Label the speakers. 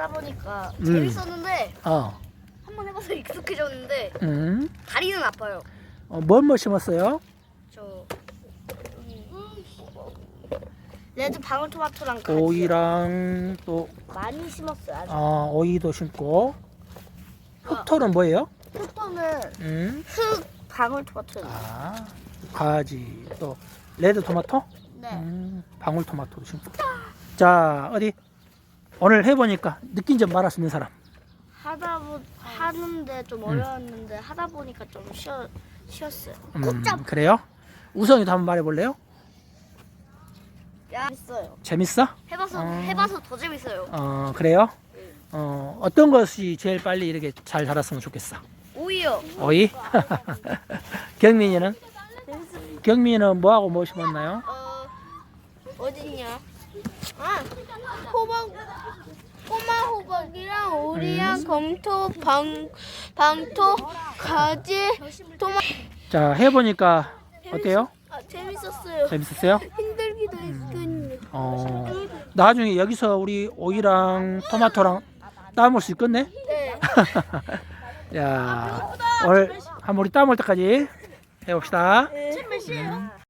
Speaker 1: 하다 보니까 재밌었는데
Speaker 2: 어.
Speaker 1: 한번 해봐서 익숙해졌는데 다리는 아파요.
Speaker 2: 뭐 심었어요?
Speaker 1: 저 레드 방울토마토랑 같이
Speaker 2: 오이랑 또
Speaker 1: 많이 심었어요. 아주.
Speaker 2: 오이도 심고. 흑토는 뭐예요?
Speaker 1: 흑토는 흑 방울토마토예요.
Speaker 2: 가지 또 레드 토마토?
Speaker 1: 네.
Speaker 2: 방울토마토도 심고. 자, 어디 오늘 해보니까 느낀 점 말할 수 있는 사람.
Speaker 1: 하는데 좀 어려웠는데 하다 보니까 좀 쉬었어요.
Speaker 2: 그래요? 우성이도 한번 말해볼래요?
Speaker 1: 재밌어요.
Speaker 2: 재밌어?
Speaker 1: 해봐서 더 재밌어요.
Speaker 2: 그래요? 어떤 것이 제일 빨리 이렇게 잘 자랐으면 좋겠어?
Speaker 1: 오이요.
Speaker 2: 오이? 경민이는? 경민이는 뭐하고 뭐 심었나요?
Speaker 1: 어딨냐? 꼬마 호박이랑 오리랑 검토, 방토, 가지, 토마.
Speaker 2: 자, 해보니까 어때요?
Speaker 1: 재밌었어요.
Speaker 2: 재밌었어요?
Speaker 1: 힘들기도 했는데.
Speaker 2: 나중에 여기서 우리 오이랑 토마토랑 따먹을 수 있겠네?
Speaker 1: 네.
Speaker 2: 야, 오늘 한번 우리 따먹을 때까지 해봅시다.
Speaker 1: 지금 몇 시에요?